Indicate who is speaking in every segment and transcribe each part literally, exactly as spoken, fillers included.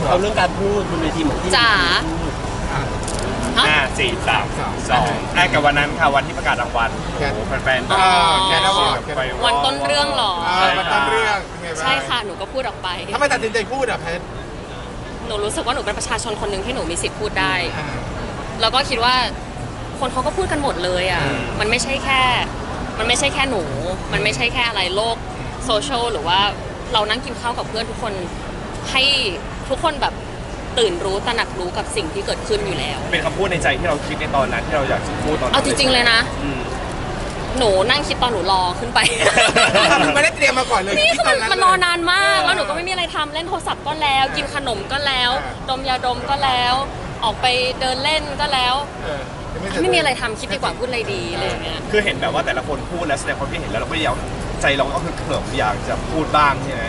Speaker 1: เอาเรื่องการพูดบนเวทีเหมือนที่
Speaker 2: จ๋า
Speaker 3: ห้าสี่สามสองไอ้กับวันนั้นค่ะวันที่ประกาศรางวัลโอ้โหแฟนๆ
Speaker 4: อ๋อแกนะบอก
Speaker 2: วันต้นเรื่องหรอ
Speaker 4: มันต้นเรื่อง
Speaker 2: ใช่ค่ะหนูก็พูดออกไป
Speaker 4: ทำไมตัดสินใจพูดอ่ะเพชร
Speaker 2: หนูรู้สึกว่าหนูเป็นประชาชนคนหนึ่งที่หนูมีสิทธิ์พูดได้แล้วก็คิดว่าคนเขาก็พูดกันหมดเลยอ่ะมันไม่ใช่แค่มันไม่ใช่แค่หนูมันไม่ใช่แค่อะไรโลกโซเชียลหรือว่าเรานั่งกินข้าวกับเพื่อนทุกคนให้ทุกคนแบบตื่นรู้ตระหนักรู้กับสิ่งที่เกิดขึ้นอยู่แล้ว
Speaker 3: เป็นคำพูดในใจที่เราคิดในตอนนั้นที่เราอยากจะพูดตอนนั้น
Speaker 2: เอาจริงๆเลยนะหนูนั่งคิดตอนหนูรอขึ้นไป
Speaker 4: มันไม่ได้เตรียมมาก่อนเลย
Speaker 2: นี่คือมันมันรอนานมากแล้วหนูก็ไม่มีอะไรทำเล่นโทรศัพท์ก็แล้วกินขนมก็แล้วดมยาดมก็แล้วออกไปเดินเล่นก็แล้วไม่มีอะไรทำคิดดีกว่าพูดอะไรดีอะไรอย่างเงี้ย
Speaker 3: คือเห็นแบบว่าแต่ละคนพูดแล้วแสดงความคิดเห็นแล้วเราก็อยากใจเราก็คือเขิมอยากจะพูดบ้างใช่ไหม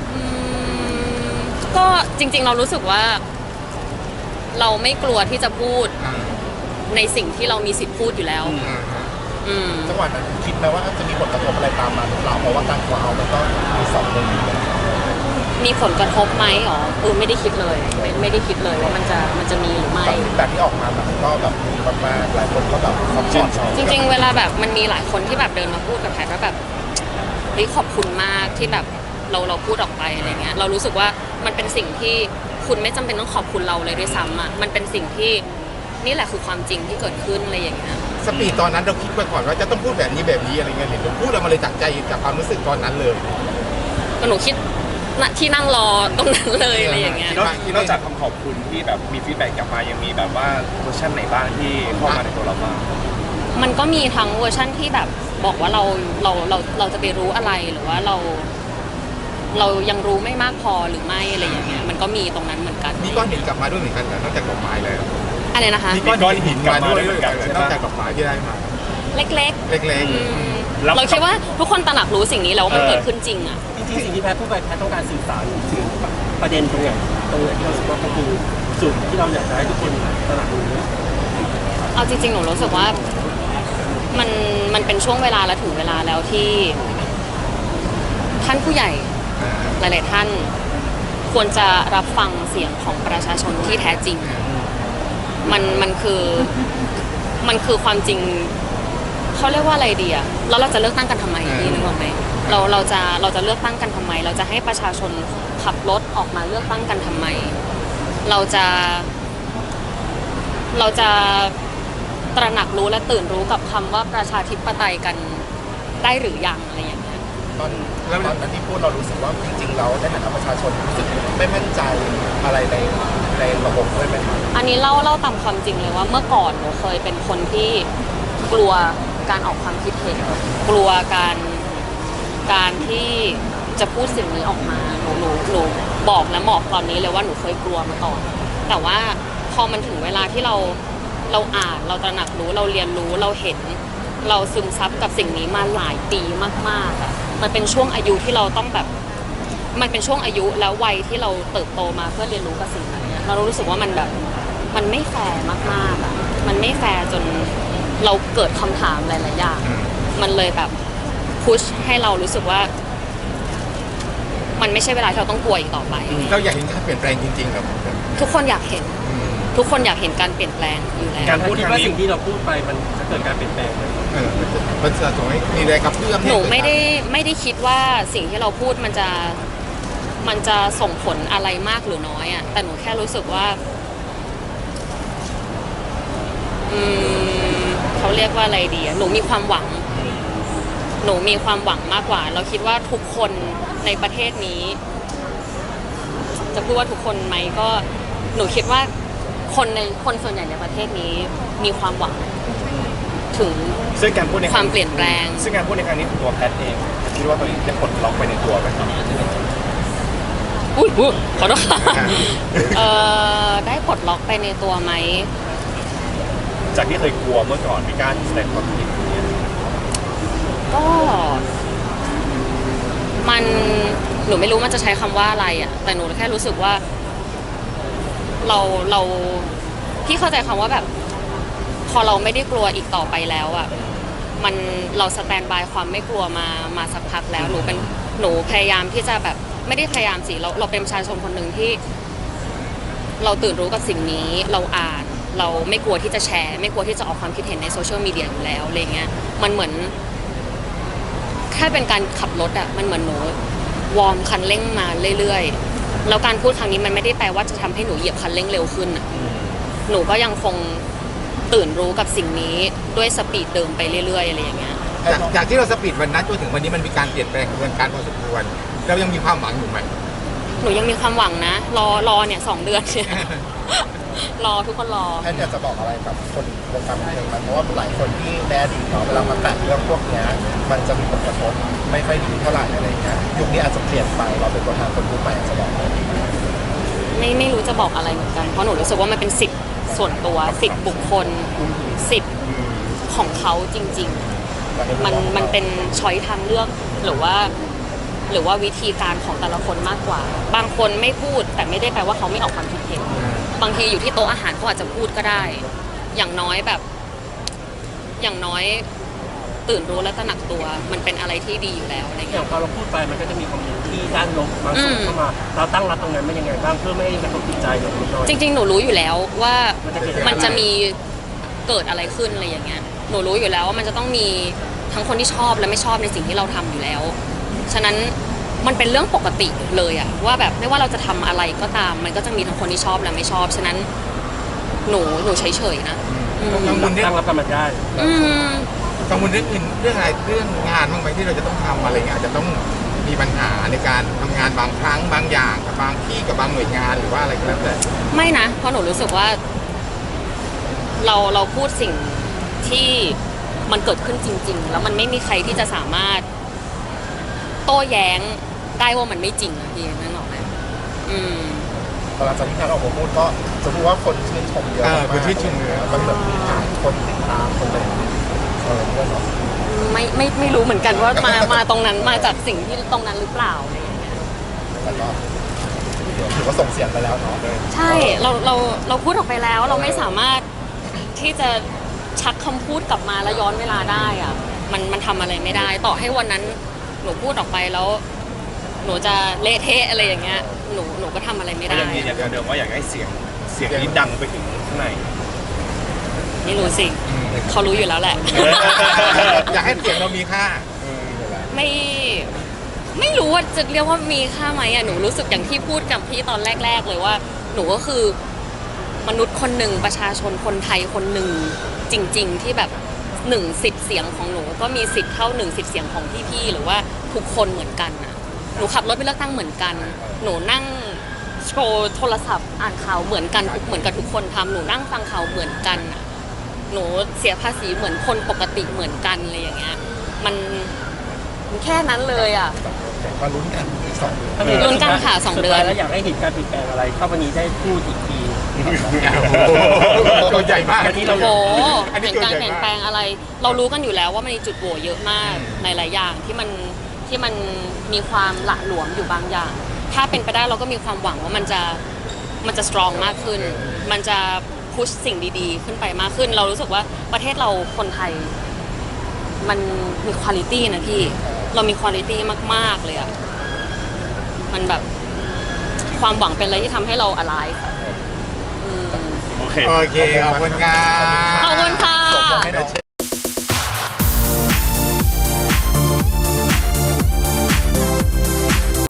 Speaker 2: ก็จริงๆเรารู้สึกว่าเราไม่กลัวที่จะพูดในสิ่งที่เรามีสิทธิ์พูดอยู่แล้ว
Speaker 4: จังหวะนั้นคิดไหมว่าจะมีผลกระทบอะไรตามมาหรือเปล่าเพราะว่าการกลัวเอามันก็มีสองเรื่อง
Speaker 2: มีผลกระทบไหมอ๋อเออไม่ได้คิดเลยไม่ไม่ได้คิดเลยว่ามันจะมันจะมีหรือไม่
Speaker 4: แบบที่ออกมาแบบก็แบบมีมากๆหลายคนก็แบบซัพพอร์ต
Speaker 2: จริงๆเวลาแบบมันมีหลายคนที่แบบเดินมาพูดกับแพทว่าแบบเฮ้ยขอบคุณมากที่แบบเราเราพูดออกไปอะไรเงี้ยเรารู้สึกว่ามันเป็นสิ่งที่คุณไม่จำเป็นต้องขอบคุณเราเลยด้วยซ้ำอ่ะมันเป็นสิ่งที่นี่แหละคือความจริงที่เกิดขึ้นอะไรอย่างเงี้ย
Speaker 4: สปีดตอนนั้นเราคิดไปก่อนว่าจะต้องพูดแบบนี้แบบนี้อะไรเงี้ยเห็นเราพูดเรามาเลยจากใจจากความรู้สึกตอนนั้นเลย
Speaker 2: ก็หนูคิดที่นั่งรอตรงนั้นเลยอะไรอย่างเงี้ย
Speaker 3: นอกจากคำขอบคุณที่แบบมีฟีดแบ็กกลับมายังมีแบบว่าเวอร์ชันไหนบ้างที่เข้ามาในตัวเราบ้าง
Speaker 2: มันก็มีทั้งเวอร์ชันที่แบบบอกว่าเราเราเราเราจะไปรู้อะไรหรือว่าเราเรายังรู้ไม่มากพอหรือไม่อะไรอย่างเงี้ยมันก็มีตรงนั้นเหมือนกัน
Speaker 4: มีก้อนหินกลับมาด้วยเหมือนกันนอกจากดอกไม้แล้ว
Speaker 2: อะไรนะคะ
Speaker 4: มีก้อนหินกลับมาด้วยเหมือนกันนอกจากดอกไม้ที่ได้มา
Speaker 2: เล็กๆ
Speaker 4: เล็ก
Speaker 2: ๆเราคิดว่าทุกคนตระหนักรู้สิ่งนี้แล้วว่ามันเกิดขึ้นจริงอ่ะ
Speaker 1: จริงๆสิ่งที่แพทย์พูดไปแพทย์ต้องการสื่อสารถึงประเด็นตรงไหนตรงไหนที่เราสึกว่าก็คือจุดที่เราอยากจะให้ทุกคนตระหนักรู้
Speaker 2: เอาจริงๆหนูรู้สึกว่ามันมันเป็นช่วงเวลาและถึงเวลาแล้วที่ท่านผู้ใหญ่หลายๆท่านควรจะรับฟังเสียงของประชาชนที่แท้จริงมันมันคือมันคือความจริงเขาเรียกว่าอะไรดีอะแล้วเราจะเลือกตั้งกันทำไมพี่นึกออกไหมเราเราจะเราจะเลือกตั้งกันทำไมเราจะให้ประชาชนขับรถออกมาเลือกตั้งกันทำไมเราจะเราจะตระหนักรู้และตื่นรู้กับคำว่าประชาธิปไตยกันได้หรือยังอะไรอย่างเงี้ย
Speaker 4: ตอนแล้วตอนนั้นที่พูดเรารู้สึกว่าจริงๆเราในฐานะประชาชนรู้สึกไม่มั่นใจอะไรในในระบบด้วยไหม
Speaker 2: อันนี้เล่าเล่าตามความจริงเลยว่าเมื่อก่อนหนูเคยเป็นคนที่กลัวการออกความคิดเห็นกลัวการการที่จะพูดสิ่งนี้ออกมาหนูหนูหนูบอกและบอกตอนนี้เลยว่าหนูเคยกลัวมาก่อนแต่ว่าพอมันถึงเวลาที่เราเราอ่านเราตระหนักรู้เราเรียนรู้เราเห็นเราซึมซับกับสิ่งนี้มาหลายปีมากๆอ่ะมันเป็นช่วงอายุที่เราต้องแบบมันเป็นช่วงอายุแล้ววัยที่เราเติบโตมาเพื่อเรียนรู้กับสิ่งนี้เรารู้สึกว่ามันแบบมันไม่แฟร์มากๆอ่ะมันไม่แฟร์จนเราเกิดคำถามหลายๆอย่างมันเลยแบบพุชให้เรารู้สึกว่ามันไม่ใช่เวลาที่เราต้องกลัวอีกต่อไป
Speaker 4: เราอยากเห็นการเปลี่ยนแปลงจริงๆครับ
Speaker 2: ทุกคนอยากเห็นทุกคนอยากเห็นการเปลี่ยนแปลงอยู่แล้ว
Speaker 1: การพูดว่าสิ่งที่เราพูดไปมันจะเกิดการเปลี่ยนแปลงเลย
Speaker 4: มันจะส่งให้มีแรงกระเพื่อม
Speaker 2: หนูไม่ได้ไม่ได้คิดว่าสิ่งที่เราพูดมันจะมันจะส่งผลอะไรมากหรือน้อยอ่ะแต่หนูแค่รู้สึกว่าอืมเขาเรียกว่าอะไรดีอ่ะหนูมีความหวังหนูมีความหวังมากกว่าเราคิดว่าทุกคนในประเทศนี้จะพูดว่าทุกคนไหมก็หนูคิดว่าคนในคนส่วนใหญ่ในประเทศนี้มีความหวังถึง
Speaker 3: ซึ่งการพูดใน
Speaker 2: ความเปลี่ยนแปลง
Speaker 3: ซึ่งการพูดในครั้งนี้ตัวแพทเองคิดว่าตัวเองได้ปลดล็อกไปในตัวไหมครับ
Speaker 2: อุ้ยขอโทษเอ่อได้ปลดล็อกไปในตัวไหม
Speaker 3: จากที่เคยกลัวเมื่อก่อนไม่กล้าแสดงความคิด
Speaker 2: ก็มันหนูไม่รู้มันจะใช้คำว่าอะไรอ่ะแต่หนูแค่รู้สึกว่าเราเราพี่เข้าใจคำว่าแบบพอเราไม่ได้กลัวอีกต่อไปแล้วอ่ะมันเราสแตนบายความไม่กลัวมามาสักพักแล้วหนูเป็นหนูพยายามที่จะแบบไม่ได้พยายามสิเราเราเป็นประชาชนคนหนึ่งที่เราตื่นรู้กับสิ่งนี้เราอ่านเราไม่กลัวที่จะแชร์ ไม่กลัวที่จะออกความคิดเห็นในโซเชียลมีเดียอยู่แล้วอะไรเงี้ยมันเหมือนแค่เป็นการขับรถอะมันเหมือนหนูวอร์มคันเร่งมาเรื่อยๆแล้วการพูดครั้งนี้มันไม่ได้แปลว่าจะทำให้หนูเหยียบคันเร่งเร็วขึ้นอะหนูก็ยังคงตื่นรู้กับสิ่งนี้ด้วยสปีดเดิมไปเรื่อยๆอะไรอย่างเงี้ย
Speaker 5: จากจากที่เราสปีดวันนั้นจนถึงวันนี้มันมีการเปลี่ยนแปลงกระบวนการพอสมควรเรายังมีความหวังอยู่ไหม
Speaker 2: หนูยังมีความหวังนะรอรอเนี่ยสองเดือนเนี่ย รอทุกคนรอ
Speaker 4: แอนอยากจะบอกอะไรกับคนวงการบันเทิงไหมเพราะว่าหลายคนที่ในอดีตเนาะเวลามาแตะเรื่องพวกเนี้ยมันจะมีผลกระทบไม่ค่อยดีเท่าไหร่อะไรเงี้ยยุคนี้อาจจะเปลี่ยนไปเราเป็นตัวแทนคนรุ่นใหม่จะบอกอะไร
Speaker 2: ไม่ไม่รู้จะบอกอะไรเหมือนกันเพราะหนูรู้สึกว่ามันเป็นสิทธิ์ส่วนตัวสิทธิ์บุคคลสิทธิ์ของเขาจริง ๆ มันมันเป็นช้อยทางเลือกหรือว่า หรือว่าวิธีการของแต่ละคนมากกว่า บางคนไม่พูดแต่ไม่ได้แปลว่าเขาไม่ออกความคิดเห็นบางทีอยู่ที่โต๊ะอาหารเขาอาจจะพูดก็ได้ อย่างน้อยแบบ อย่างน้อยตื่นรู้และตระหนักตัวมันเป็นอะไรที่ดีอยู่แล้วอะไร
Speaker 1: อ
Speaker 2: เงี้
Speaker 1: ย่าง
Speaker 2: ย
Speaker 1: พอเราพูดไปมันก็จะมีคอมเมนต์ที่ด้านลบบางส่วน
Speaker 2: อืม
Speaker 1: เข้ามาเราตั้งรับตรงนั้นเป็นยังไงบ้างเพื่อไม่ให้กระทบจิตใจหนูน้อย
Speaker 2: จริงๆ หนูรู้อยู่แล้วว่า
Speaker 1: มันจะเกิดอะไร
Speaker 2: มันจะมีเกิดอะไรขึ้นอะไรอย่างเงี้ย หนูรู้อยู่แล้วว่ามันจะต้องมีทั้งคนที่ชอบและไม่ชอบในสิ่งที่เราทำอยู่แล้ว ฉะนั้นมันเป็นเรื่องปกติเลยอะว่าแบบไม่ว่าเราจะทำอะไรก็ตาม มันก็จะมีทั้งคนที่ชอบและไม่ชอบ ฉะนั้นหนูหนูเฉยๆนะอืม
Speaker 5: กังวลเรื่อ
Speaker 1: ตั้
Speaker 5: ง
Speaker 1: งรับกันมาได้
Speaker 2: อืม
Speaker 5: กังวลเรื่องอื่นเรื่องอะไรเรื่องงานบ้างไหมที่เราจะต้องทำอะไรเงี้ยอาจจะต้องมีปัญหาในการทำงานบางครั้งบางอย่างกับบางที่กับบางหน่วยงานหรือว่าอะไรก็แล้วแต่
Speaker 2: ไม่นะ เพราะหนูรู้สึกว่า เราเราพูดสิ่งที่มันเกิดขึ้นจริง ๆ แล้วมันไม่มีใครที่จะสามารถโต้แย้งได้ว่ามันไม่จริงอะพี่นึกออกไหมอืม
Speaker 4: หลังจากที่แพทย์ออกมาพูดก็จะพูดว่าคนชื่นชมเยอะ
Speaker 5: เออ
Speaker 4: มาก
Speaker 5: คนชื่นชมเยอะ
Speaker 4: มันแบบมีฐานคนติดตามคนเลยเออเรื่องเนาะ
Speaker 2: ไม่ไม่ไม่รู้เหมือนกันว่ามามาตรงนั้นมาจากสิ่งที่ตรงนั้นหรือเปล่าอะไรอย่างเงี้ย
Speaker 4: แต่ก็ถือว่าส่งเสียงไปแล้วเนาะ
Speaker 2: ใช่เราเราเราพูดออกไปแล้ว เราไม่สามารถที่จะชักคำพูดกลับมาแล้วย้อนเวลาได้อะมันมันทำอะไรไม่ได้ ต่อให้วันนั้นหนูพูดออกไปแล้ว หนูจะเละเทะอะไรอย่างเงี้ยหนูหนูก็ทำอะไรไม่
Speaker 3: ก็
Speaker 2: ได้
Speaker 3: ยังยืนยันคำเดิมว่าอยากให้เสียงเสียงนี้ดังไปถึงข้างใน
Speaker 2: ไม่รู้สิเขารู้อยู่แล้วแหละ
Speaker 5: อยากให้เสียงเรามีค่า
Speaker 2: ไม่ไม่รู้ว่าจะเรียกว่ามีค่าไหมอ่ะหนูรู้สึกอย่างที่พูดกับพี่ตอนแรก ๆ เลยว่า หนูก็คือมนุษย์คนหนึ่งประชาชนคนไทยคนหนึ่งจริง ๆ ที่แบบหนึ่งสิทธิ์เสียงของหนูก็มีสิทธิ์เท่าหนึ่งสิทธิ์เสียงของพี่ๆหรือว่าทุกคนเหมือนกันน่ะหนูขับรถไปเลือกตั้งเหมือนกัน หนูนั่งโชว์โทรศัพท์อ่านข่าวเหมือนกันเหมือนกับทุกคนทำหนูนั่งฟังข่าวเหมือนกันน่ะหนูเสียภาษีเหมือนคนปกติเหมือนกันอะไรอย่างเงี้ยมันแค่นั้นเลยอ่ะ
Speaker 4: แต่ก็ลุ้นกันอีกสองเดือน
Speaker 1: ถ้ามี
Speaker 2: ลุ้นกันค่ะสองเดือน
Speaker 1: สุท้ายแล้วอยากให้เห็นการเปลี่ยนแปลงอะไรถ้าวันนี้ได้พูดอีกที
Speaker 5: ตัวใหญ่มาก
Speaker 1: อันนี้เรา
Speaker 2: โอ้โห
Speaker 5: อันนี้
Speaker 2: เห็น
Speaker 5: ตัว
Speaker 2: การ
Speaker 5: ใหญ่
Speaker 2: เปลี่ยน
Speaker 5: มาก
Speaker 2: แปลงอะไร เรารู้กันอยู่แล้วว่ามันมีจุดโหว่เยอะมากในหลายอย่างที่มันที่มันมีความหละหลวมอยู่บางอย่าง ถ้าเป็นไปได้เราก็มีความหวังว่ามันจะมันจะสตรองมากขึ้น มันจะพุชสิ่งดีๆ ขึ้นไปมากขึ้น เรารู้สึกว่าประเทศเราคนไทย มันมีคุณภาพนะพี่ เรามีคุณภาพมากๆเลยอะมันแบบความหวังเป็นอะไรที่ทำให้เรา alive อืม
Speaker 3: โอเค
Speaker 5: โอเคขอบคุณครับ
Speaker 2: ขอบคุณค่ะ
Speaker 4: ส่งให้น้อง